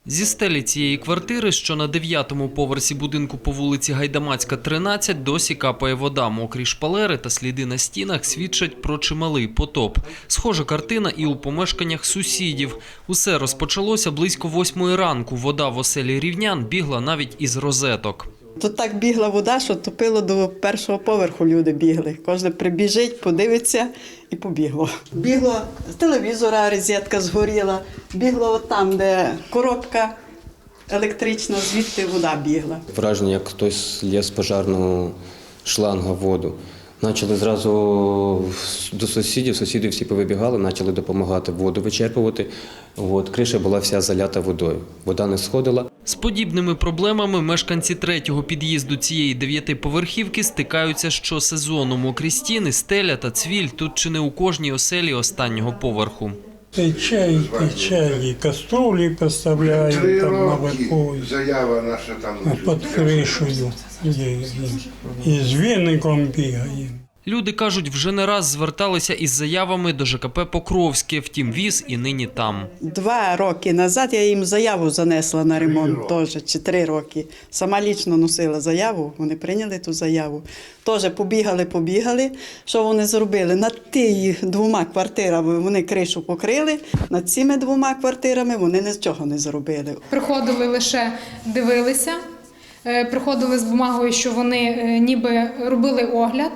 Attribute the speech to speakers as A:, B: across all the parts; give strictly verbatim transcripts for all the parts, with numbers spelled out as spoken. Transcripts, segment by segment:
A: Зі стелі цієї квартири, що на дев'ятому поверсі будинку по вулиці Гайдамацька, тринадцять, досі капає вода. Мокрі шпалери та сліди на стінах свідчать про чималий потоп. Схожа картина і у помешканнях сусідів. Усе розпочалося близько восьмої ранку. Вода в оселі рівнян бігла навіть із розеток.
B: Тут так бігла вода, що топило до першого поверху, люди бігли. Кожен прибіжить, подивиться і побігло. Бігло з телевізора, розетка згоріла, бігло от там, де коробка електрична, звідти вода бігла.
C: Враження, як хтось лє з пожарного шланга воду. Почали зразу до сусідів, сусіди всі повибігали, почали допомагати воду вичерпувати. От, криша була вся залята водою, вода не сходила.
A: З подібними проблемами мешканці третього під'їзду цієї дев'ятиповерхівки стикаються щосезону. Мокрі стіни, стеля та цвіль тут чи не у кожній оселі останнього поверху.
D: Пече, і пече, і каструлі поставляють там наверху,
E: Заява наша там
D: під кришею, і, і, і з віником бігає.
A: Люди кажуть, вже не раз зверталися із заявами до ЖКП «Покровське», втім віз і нині там.
B: Два роки назад я їм заяву занесла на ремонт теж, чи три роки. Сама лічно носила заяву, вони прийняли ту заяву. Теж побігали, побігали. Що вони зробили? Над тими двома квартирами вони кришу покрили, над цими двома квартирами вони нічого не зробили.
F: Приходили лише дивилися, приходили з бумагою, що вони ніби робили огляд.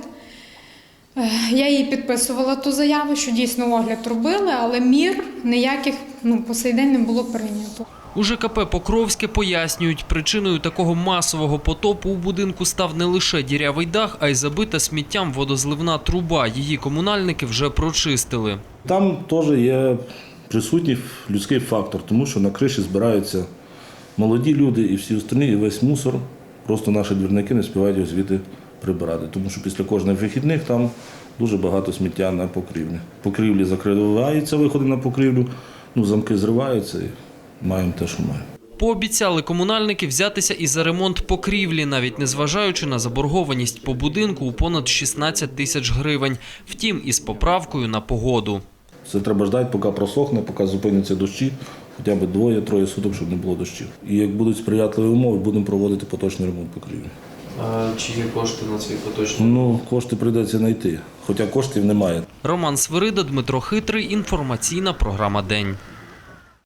F: Я їй підписувала ту заяву, що дійсно огляд робили, але мір ніяких ну, по сей день не було прийнято.
A: У ЖКП «Покровське» пояснюють, причиною такого масового потопу у будинку став не лише дірявий дах, а й забита сміттям водозливна труба. Її комунальники вже прочистили.
G: Там теж є присутній людський фактор, тому що на криші збираються молоді люди і всі остальні, і весь мусор. Просто наші двірники не співають його звідти прибирати, тому що після кожних вихідних там дуже багато сміття на покрівлі. Покрівлі закриваються, виходи на покрівлю, ну, замки зриваються і маємо те, що маємо.
A: Пообіцяли комунальники взятися і за ремонт покрівлі, навіть незважаючи на заборгованість по будинку у понад шістнадцять тисяч гривень. Втім, із поправкою на погоду.
G: Це треба ждати, поки просохне, поки зупиняться дощі, хоча б двоє-троє суток, щоб не було дощів. І як будуть сприятливі умови, будемо проводити поточний ремонт покрівлі.
A: А чи є кошти на цей поточний?
G: Ну, кошти прийдеться знайти, хоча коштів немає.
A: Роман Свирида, Дмитро Хитрий. Інформаційна програма «День».